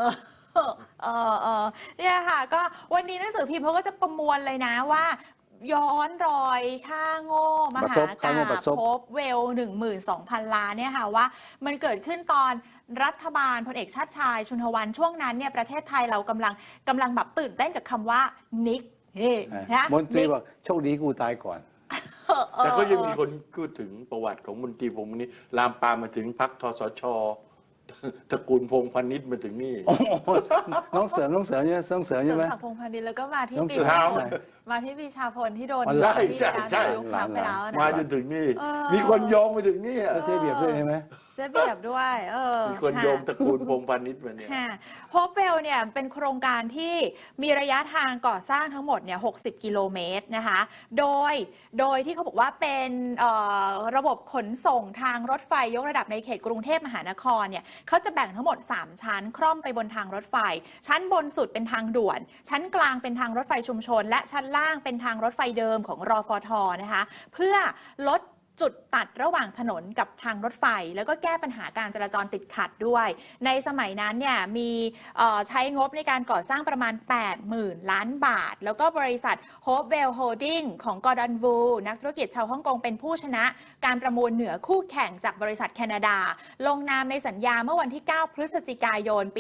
[SPEAKER 2] เนี่ยค่ะก็วันนี้หนังสือพิมพ์เขาก็จะประมวลเลยนะว่า ย้อนรอยค่าโง่มหากาพย์พบเวล 12,000 ล้านเนี่ยค่ะว่ามันเกิดขึ้นตอนรัฐบาลพลเอกชาติชายชุนทวันช่วงนั้นเนี่ยประเทศไทยเรากำลังแบบตื่นเต้นกับคำว่านิกนะ
[SPEAKER 3] มนตรีบอกโชคดีกูตายก่อน
[SPEAKER 1] แต่ก็ยังมีคนพูดถึงประวัติของมนตรีพงษ์นี้ลามปามมาถึงพรรคทสช ตระกูลพงษ์พาณิชย์มาถึงนี่
[SPEAKER 3] น้องเสริมใช่ไหมน้องเสริม
[SPEAKER 2] เสริ
[SPEAKER 3] ใช่
[SPEAKER 2] ม
[SPEAKER 3] ไหม
[SPEAKER 2] ศักดิ์พงษ์พันธุ์ดินแล้วก็มาที่
[SPEAKER 3] น้อง
[SPEAKER 2] ปี
[SPEAKER 3] เสริม
[SPEAKER 2] ชาพ
[SPEAKER 3] ใช่
[SPEAKER 2] ลมาที่ปีชาพลที่โดน
[SPEAKER 3] ใช่
[SPEAKER 2] ที่
[SPEAKER 1] ใช่
[SPEAKER 2] ดาว
[SPEAKER 1] ใช่
[SPEAKER 2] ยุคพักไปแล้วนะ
[SPEAKER 1] มาจนถึงนี่
[SPEAKER 2] เออ
[SPEAKER 1] มีคนโยงมาถึงนี่
[SPEAKER 3] แล้วเจ๊เบียบด้วยใช่ไหม
[SPEAKER 2] เจระเบียบด้วย
[SPEAKER 1] มีคนโยมตระกูลพงษ์พาณิชย์มาเนี่ย
[SPEAKER 2] โฮปเวลเนี่ยเป็นโครงการที่มีระยะทางก่อสร้างทั้งหมดเนี่ย60 กิโลเมตรนะคะโดยที่เขาบอกว่าเป็นระบบขนส่งทางรถไฟยกระดับในเขตกรุงเทพมหานครเนี่ยเขาจะแบ่งทั้งหมด3ชั้นคร่อมไปบนทางรถไฟชั้นบนสุดเป็นทางด่วนชั้นกลางเป็นทางรถไฟชุมชนและชั้นล่างเป็นทางรถไฟเดิมของรฟท.นะคะเพื่อลดจุดตัดระหว่างถนนกับทางรถไฟแล้วก็แก้ปัญหาการจราจรติดขัดด้วยในสมัยนั้นเนี่ยมีใช้งบในการก่อสร้างประมาณ 80,000 ล้านบาทแล้วก็บริษัท Hopewell Holding ของกอร์ดอนวูนักธุรกิจชาวฮ่องกงเป็นผู้ชนะการประมูลเหนือคู่แข่งจากบริษัทแคนาดาลงนามในสัญญาเมื่อวันที่ 9 พฤศจิกายนปี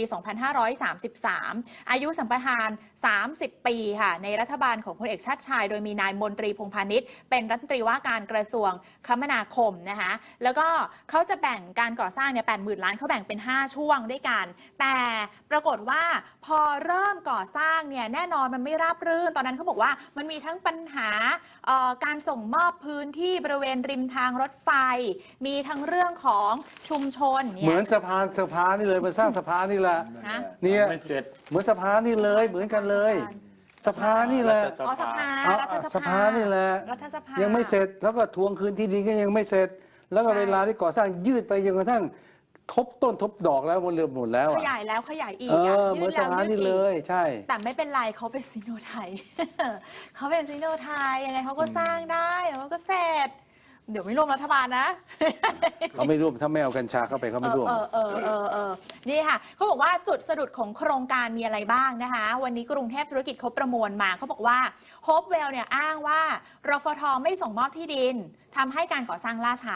[SPEAKER 2] 2533 อายุสัมปทาน 30 ปีค่ะในรัฐบาลของพลเอกชาติชายโดยมีนายมนตรีพงษ์พาณิชย์เป็นรัฐมนตรีว่าการกระทรวงคมนาคมนะคะแล้วก็เขาจะแบ่งการก่อสร้างเนี่ย 80,000 ล้านเขาแบ่งเป็น5ช่วงด้วยกันแต่ปรากฏว่าพอเริ่มก่อสร้างเนี่ยแน่นอนมันไม่ราบรื่นตอนนั้นเขาบอกว่ามันมีทั้งปัญหาการส่งมอบพื้นที่บริเวณริมทางรถไฟมีทั้งเรื่องของชุมชนเนี่ย
[SPEAKER 3] เหมือนสะพานนี่เลยมาสร้างสะพานนี่แหละ
[SPEAKER 2] นะ
[SPEAKER 3] เนี่ย
[SPEAKER 1] ไม่เสร็จ
[SPEAKER 3] เหมือนสะพานนี่เลยเหมือนกันเลยสะพานนี่แหละ
[SPEAKER 2] อ๋อสภา
[SPEAKER 3] เอา
[SPEAKER 2] รัฐส
[SPEAKER 3] สะพานนี่แหละ
[SPEAKER 2] รัฐสภา
[SPEAKER 3] ยั
[SPEAKER 2] ยัง
[SPEAKER 3] ไม่เสร็จแล้วก็ทวงคืนที่ดินก็ยังไม่เสร็จ แล้วก็
[SPEAKER 2] ใช่
[SPEAKER 3] เวลาที่ก่อสร้างยืดไปจนกระทั่งทบต้นทบดอกแล้วหมดเรือหมดแล้ว
[SPEAKER 2] ข
[SPEAKER 3] อะ
[SPEAKER 2] ยายแล้วขยายอีก
[SPEAKER 3] เอ
[SPEAKER 2] อะ
[SPEAKER 3] อเหมื
[SPEAKER 2] ยื
[SPEAKER 3] อน
[SPEAKER 2] ด
[SPEAKER 3] สะ
[SPEAKER 2] แล้ว
[SPEAKER 3] พาน
[SPEAKER 2] ยืด
[SPEAKER 3] นี่
[SPEAKER 2] อี
[SPEAKER 3] เล
[SPEAKER 2] ก
[SPEAKER 3] ยใช่
[SPEAKER 2] แต่ไม่เป็นไรเขาเป็นซิโนไทย เขาเป็นซิโนไทยยังไงเขาก็สร้างได้เขาก็เสร็จ เดี๋ยวไม่ร่วมรัฐบาลนะ
[SPEAKER 3] เขาไม่ร่วมถ้าไม่เอากัญชาเข้าไปเขาไม่ร่วม
[SPEAKER 2] นี่ค่ะเขาบอกว่าจุดสะดุดของโครงการมีอะไรบ้างนะคะ วันนี้กรุงเทพธุรกิจเขาประมวลมาเขาบอกว่าโฮปเวลเนี่ยอ้างว่ารฟท.ไม่ส่งมอบที่ดินทำให้การก่อสร้างล่าช้า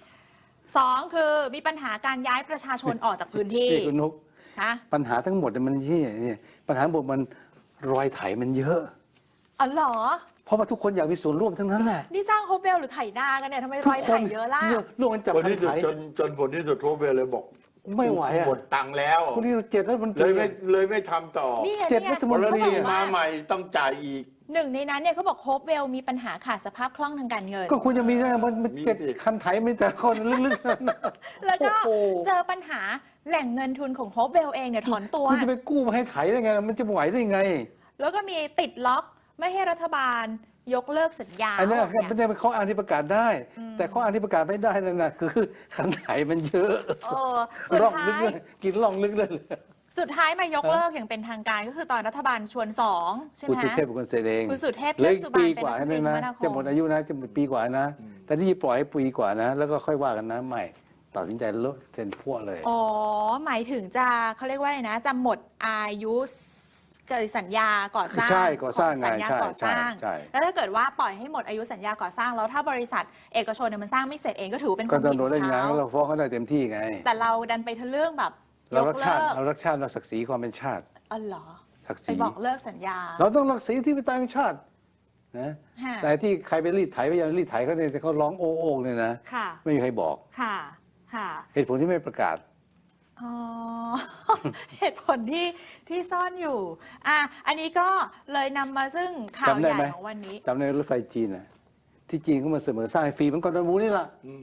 [SPEAKER 2] 2 คือมีปัญหาการย้ายประชาชนออกจากพื้นที่
[SPEAKER 3] ที่คุณนุก
[SPEAKER 2] นะ
[SPEAKER 3] ปัญหาทั้งหมดมันที่นี่ปัญหาทั้งหมดมันรอยไถมันเยอะ
[SPEAKER 2] อ๋อเหรอ
[SPEAKER 3] เพราะว่าทุกคนอยากมีส่วนร่วมทั้งนั้นแหละ
[SPEAKER 2] นี่สร้างโฮปเวลหรือไถนากันเนี่ยทำไมรอยไถเยอะล่ะ
[SPEAKER 3] ร่วมกันจับ
[SPEAKER 1] คน
[SPEAKER 3] คัน
[SPEAKER 1] ที่สุด
[SPEAKER 3] ไถ
[SPEAKER 1] จนผลที่สุดโทรเวลเลยบอก
[SPEAKER 3] ไม่ไหวอะ
[SPEAKER 1] หมดตังค์แล้ว
[SPEAKER 3] คนที่เจ็ดแล้วมัน
[SPEAKER 1] เลยไม่ทำต่อ
[SPEAKER 2] นี่ไง
[SPEAKER 3] เจ็ด
[SPEAKER 2] นี่ไง
[SPEAKER 3] รัฐม
[SPEAKER 1] พ
[SPEAKER 3] น
[SPEAKER 1] ล
[SPEAKER 3] ตรี
[SPEAKER 1] ที
[SPEAKER 3] อะ
[SPEAKER 1] มาใหม่ต้องจ่ายอีก
[SPEAKER 2] หนึ่งในนั้นเนี่ยเขาบอกโฮปเวลมีปัญหาขาดสภาพคล่องทางการเงิน
[SPEAKER 3] ก็ควรจะมีนะมัน
[SPEAKER 1] มี
[SPEAKER 3] เจ็ด
[SPEAKER 1] สิ
[SPEAKER 3] คันไถไม่แต่คนลึกๆนั่นนะ
[SPEAKER 2] แล้วก็
[SPEAKER 3] โอ้โห
[SPEAKER 2] เจอปัญหาแหล่งเงินทุนของโฮปเวลเองเนี่ยถอนตัว
[SPEAKER 3] คุณจะไปกู้มาให้ไถได้ไง มันจะไหวได้ไง
[SPEAKER 2] แล้วก็มีติดล็อกไม่ให้รัฐบาลยกเลิกสัญญา
[SPEAKER 3] อันนี้
[SPEAKER 2] เนี่ย
[SPEAKER 3] มันจะเป็นข้ออ้างที่ประกาศได้ แต่ข้ออ้างที่ประกาศไม่ได้นั่นนะคือคันไถมันเยอะ
[SPEAKER 2] สุด
[SPEAKER 3] ร่อง
[SPEAKER 2] ท้า
[SPEAKER 3] ลึก
[SPEAKER 2] ย
[SPEAKER 3] เลยกินร่องลึกเลย
[SPEAKER 2] สุดท้ายมายกเลิกอย่างเป็นทางการก็คือตอนรัฐบาลชวน2ใช่ไห
[SPEAKER 3] คุ
[SPEAKER 2] ม
[SPEAKER 3] ณสุเทพเป็นคนเซ็นเอง
[SPEAKER 2] คุณสุเทพ
[SPEAKER 3] เหลย
[SPEAKER 2] เทือกสุบรรณ
[SPEAKER 3] ปี
[SPEAKER 2] เป็น
[SPEAKER 3] กว่า
[SPEAKER 2] รัฐมนตรี
[SPEAKER 3] ใช่ไหม
[SPEAKER 2] คม
[SPEAKER 3] นะ
[SPEAKER 2] นาค
[SPEAKER 3] จะหม
[SPEAKER 2] ม
[SPEAKER 3] ดอายุนะจะหมดปีกว่านะ แต่ที่ปล่อยให้ปีกว่านะ แล้วก็ค่อยว่ากันนะไม่ตัดสินใจลดเซ็นพวกเลย
[SPEAKER 2] อ๋อหมายถึงจะเขาเรียกว่าอะไรนะจะหมดอายุสัญญาก่อสร้าง
[SPEAKER 3] ใช่ก่อสร้าง
[SPEAKER 2] ขสัญญา
[SPEAKER 3] ไงใช่
[SPEAKER 2] ก่อสร้าง
[SPEAKER 3] ใช่
[SPEAKER 2] แล้วถ้าเกิดว่าปล่อยให้หมดอายุสัญญาก่อสร้างแล้วถ้าบริษัทเอกชนเนี่ยมันสร้างไม่เสร็จเองก็ถือว่าเป็นค
[SPEAKER 3] ก็
[SPEAKER 2] วาม
[SPEAKER 3] ต้อ
[SPEAKER 2] ผิ
[SPEAKER 3] ง
[SPEAKER 2] ด
[SPEAKER 3] โด
[SPEAKER 2] ข
[SPEAKER 3] น
[SPEAKER 2] อ
[SPEAKER 3] เล่น
[SPEAKER 2] ง
[SPEAKER 3] งาน
[SPEAKER 2] เขา
[SPEAKER 3] เราฟ้องเขาได้เต็มที่ไง
[SPEAKER 2] แต่เราดันไปทะเรื่องแบบย
[SPEAKER 3] เรา
[SPEAKER 2] ก
[SPEAKER 3] รัก
[SPEAKER 2] เลิ
[SPEAKER 3] ชาติ
[SPEAKER 2] ก
[SPEAKER 3] เรารักชาติเราศักดิ์ศรีความเป็นชาติ
[SPEAKER 2] อ๋อเหรอ
[SPEAKER 3] ศักดิ์ศ
[SPEAKER 2] ไป
[SPEAKER 3] รี
[SPEAKER 2] บอกเลิกสัญญา
[SPEAKER 3] เราต้องรักษาที่เป็นตายเป็นชาตินะ
[SPEAKER 2] ค่ะ
[SPEAKER 3] แต่ที่ใครไปรีดไถไปยังรีดไถเขาเนี่ยแต่เขาร้องโอ้โองเนี่ยนะ
[SPEAKER 2] ค่ะ
[SPEAKER 3] ไม่มีใครบอก
[SPEAKER 2] ค่ะค่ะ
[SPEAKER 3] เหตุผลที่ไม่ประกาศ
[SPEAKER 2] อ๋อ เหตุผลที่ซ่อนอยู่อันนี้ก็เลยนำมาซึ่งข่าว
[SPEAKER 3] จำได้
[SPEAKER 2] ใหญ่
[SPEAKER 3] ไหม
[SPEAKER 2] ของวันนี้
[SPEAKER 3] จำในรถไฟจีนนะที่จีนก็มาเสนอสร้างให้ฟรีเหมันกอร์ดอนวูนี่แหละ
[SPEAKER 1] อืม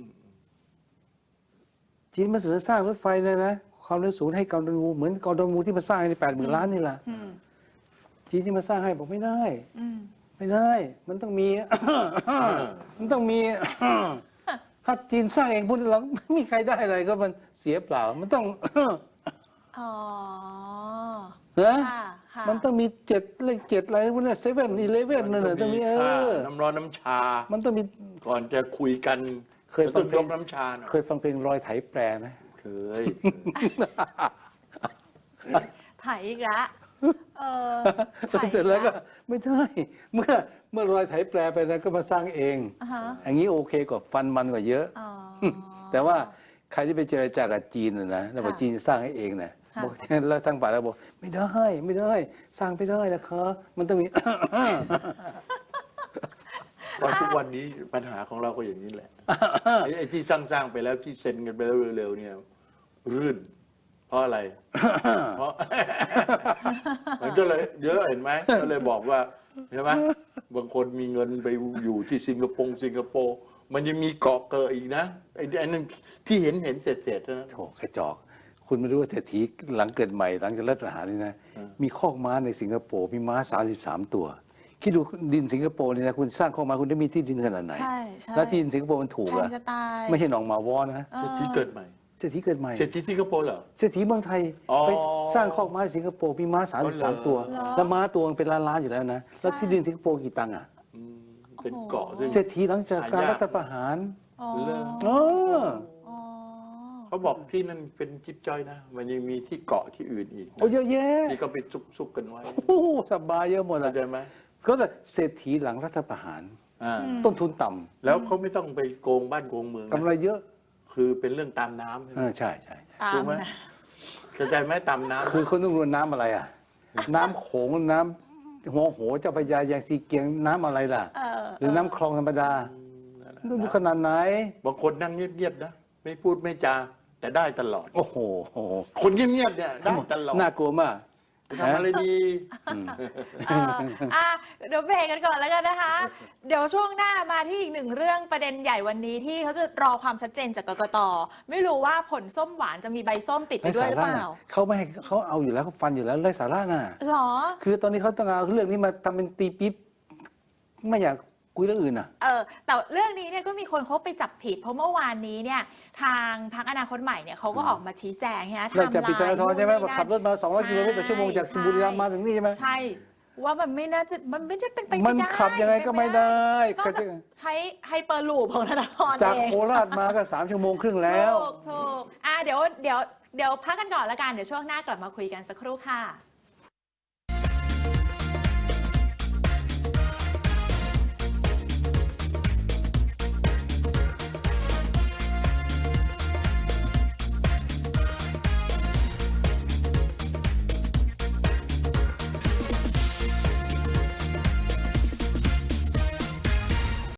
[SPEAKER 3] จีนมาเสนอสร้างรถไฟเลยนะความเร็วสูงให้กอร์ดอนวูเหมือนกอร์ดอนวูที่มาสร้างใน80,000 ล้านนี่แหละ
[SPEAKER 2] อืม
[SPEAKER 3] จีนที่มาสร้างให้บอกไม่ได้
[SPEAKER 2] อืม
[SPEAKER 3] ไม่ได้ มันต้องมี มันต้องมี ถ้าจีนสร้างเองพูดเราไม่มีใครได้อะไรก็มันเสียเปล่า มันต้อง
[SPEAKER 2] อ๋อ
[SPEAKER 3] นะ
[SPEAKER 2] ค่ะค่ะ
[SPEAKER 3] มันต้องมีเลข7อะไรพวกนี้7-11นั่นแหละต้องมี
[SPEAKER 1] ค่าน้ำร้อนน้ำชา
[SPEAKER 3] มันต้องมี
[SPEAKER 1] ก่อนจะคุยกัน
[SPEAKER 3] เคยฟั
[SPEAKER 1] ต้อง ง
[SPEAKER 3] เพล
[SPEAKER 1] ย
[SPEAKER 3] ง
[SPEAKER 1] กน้ำชาหน่อย
[SPEAKER 3] เคยฟังเพลงรอยไถแปรไหม
[SPEAKER 1] เคย
[SPEAKER 2] ถ่ายอีกแล้วถ่ายอีก
[SPEAKER 3] เสร็จแล้วก็ไม่ได้เมื่อรอยไถแปรไปนะก็มาสร้างเอง
[SPEAKER 2] อ่าฮะ
[SPEAKER 3] อย่างนี้โอเคกว่าฟันมันกว่าเยอะ
[SPEAKER 2] อ๋อ
[SPEAKER 3] แต่ว่าใครที่ไปเจรจากับจีนนะแล้วบอก
[SPEAKER 2] ค่ะ
[SPEAKER 3] จีนจะสร้างให้เองนะ
[SPEAKER 2] ค่ะ
[SPEAKER 3] บอกแล้วทางฝ่ายเราบอกไม่ได้ไม่ได้ สร้างไม่ได้นะคะมันต้องมี
[SPEAKER 1] เพราะทุกวันนี้ปัญหาของเราก็อย่างนี้แหละ ไอ้ที่สร้างไปแล้วที่เซ็นกันไปแล้วเร็วๆเนี่ยรื่น เพราะอะไร เพราะ มันก็เลยเยอะเห็นไหมก็เลยบอกว่าใช่ไหมบางคนมีเงินไปอยู่ที่สิงคโปร์มันยังมีเกาะเกิดอีกนะไอ้นั่นที่เห็นเศษๆเท่านั้น
[SPEAKER 3] โถกระจอก คุณไม่รู้ว่าเศรษฐีหลังเกิดใหม่หลังจากรัฐประหารนี่นะ มีคอกม้าในสิงคโปร์มีม้า33 ตัวคิดดูดินสิงคโปร์นี่นะคุณสร้างคอกม้าคุณได้มีที่ดินขนาดไหน
[SPEAKER 2] ใช่ใช่
[SPEAKER 3] แล้วที่ดินสิงคโปร์มันถูก
[SPEAKER 2] แพ
[SPEAKER 3] อะ
[SPEAKER 2] งจะตาย
[SPEAKER 3] ไม่ใช่หนองหมาวอนะ
[SPEAKER 2] เออ
[SPEAKER 1] เศรษฐีเกิดใหม่
[SPEAKER 3] เศรษฐีเกิดใหม่
[SPEAKER 1] เศรษฐีสิงคโปร์เหรอ
[SPEAKER 3] เศรษฐีเมืองไทย
[SPEAKER 1] อ๋อ
[SPEAKER 3] ไปสร้างคอกม้าในสิงคโปร์มีม้า
[SPEAKER 1] เหรอ
[SPEAKER 3] 33 ตัว แล้วม้าตัวมันเป็นล้านๆอยู่แล้วนะแล้วที่ดินสิงคโปร์กี่ตังค์อะ
[SPEAKER 1] อืมเป็นเกาะซึ่ง
[SPEAKER 3] เศรษฐีหลังจากการ
[SPEAKER 1] หายาก
[SPEAKER 3] รัฐประหาร
[SPEAKER 2] อ๋อ
[SPEAKER 1] เรื่อง
[SPEAKER 3] เออ
[SPEAKER 2] อ๋อ
[SPEAKER 1] เขาบอกที่นั่นเป็นจิ๊บจ้อยนะ มันยังมีที่เกาะที่อื่นอีกนะ
[SPEAKER 3] โอ้เยอะแยะ
[SPEAKER 1] ที่ก็ไปซุกกันไว้
[SPEAKER 3] โอ้โหสบายเยอะหมดเล
[SPEAKER 1] เข้าย ใจไหม
[SPEAKER 3] ก็แต่เศรษฐีหลังรัฐประหาร
[SPEAKER 1] อ่า
[SPEAKER 3] ต้นทุนต่ำ
[SPEAKER 1] แล้วเขาไม่ต้องไปโกงบ้านโกงเมืองนะ
[SPEAKER 3] กำไรเยอะ
[SPEAKER 1] คือเป็นเรื่องตามน้ำใช่ไหม
[SPEAKER 3] ใช่ใช่
[SPEAKER 2] ตา
[SPEAKER 1] ถู
[SPEAKER 2] ม
[SPEAKER 1] กไหม
[SPEAKER 2] นะ
[SPEAKER 1] เข้าใจไหมตามน้ำ
[SPEAKER 3] คือคนต้องรู้น้ำอะไรอ่ะ น้ำโขงน้ำหัวโหเจ้าพระยายังซีเกียงน้ำอะไรล่ะ หรือน้ำคลองธรรมดาดูขนาดไหน
[SPEAKER 1] บางคนนั่งเงียบๆนะไม่พูดไม่จาแต่ได้ตลอด
[SPEAKER 3] โอ้โห
[SPEAKER 1] คนเงียบๆเนี่ยได้ตลอด
[SPEAKER 3] น่ากลัวมาก
[SPEAKER 1] ทำอะไรดี
[SPEAKER 2] เดี๋ยวเบรกกันก่อนแล้วกันนะคะ เดี๋ยวช่วงหน้ามาที่อีกหนึ่งเรื่องประเด็นใหญ่วันนี้ที่เขาจะรอความชัดเจนจากกกต. ไม่รู้ว่าผลส้มหวานจะมีใบส้มติดไปด้วยหรือเปล่า
[SPEAKER 3] เขาไม่ให้เขาเอาอยู่แล้วเขาฟันอยู่แล้วไร้สาระน่ะ
[SPEAKER 2] หรอ
[SPEAKER 3] คือตอนนี้เขาต้องเอาเรื่องนี้มาทำเป็นตีปิ๊บไม่อยากคุยเรื่องอื่นอ่ะ
[SPEAKER 2] แต่เรื่องนี้เนี่ยก็มีคนเขาไปจับผิด เพราะเมื่อวานนี้เนี่ยทางพรรคอนาคตใหม่เนี่ยเขาก็ออกมาชี้แจงใช่ไหม
[SPEAKER 3] เราจะปิดจราจรใช่ไหม
[SPEAKER 2] นู่นนี่นั่น
[SPEAKER 3] ขับรถมา200 กิโลเมตรต่อชั่วโมงจากบุรีรัมย์มาถึงนี่ใช่ไหม
[SPEAKER 2] ใช่ ว่ามันไม่น่าจะมันไม่ได้เป็นไป
[SPEAKER 3] มั
[SPEAKER 2] ไม่
[SPEAKER 3] น
[SPEAKER 2] ได้
[SPEAKER 3] ขับยังไงก็ไม่ได้
[SPEAKER 2] นอกจากใช้ไฮเปอร์ลูปของธนาธร
[SPEAKER 3] จาก
[SPEAKER 2] เอง
[SPEAKER 3] โคราชมาก็3 ชั่วโมงครึ่งแล้ว
[SPEAKER 2] ถูกเดี๋ยวพักกันก่อนละกัน เดี๋ยวช่วงหน้ากลับมาคุยกันสักครู่ค่ะ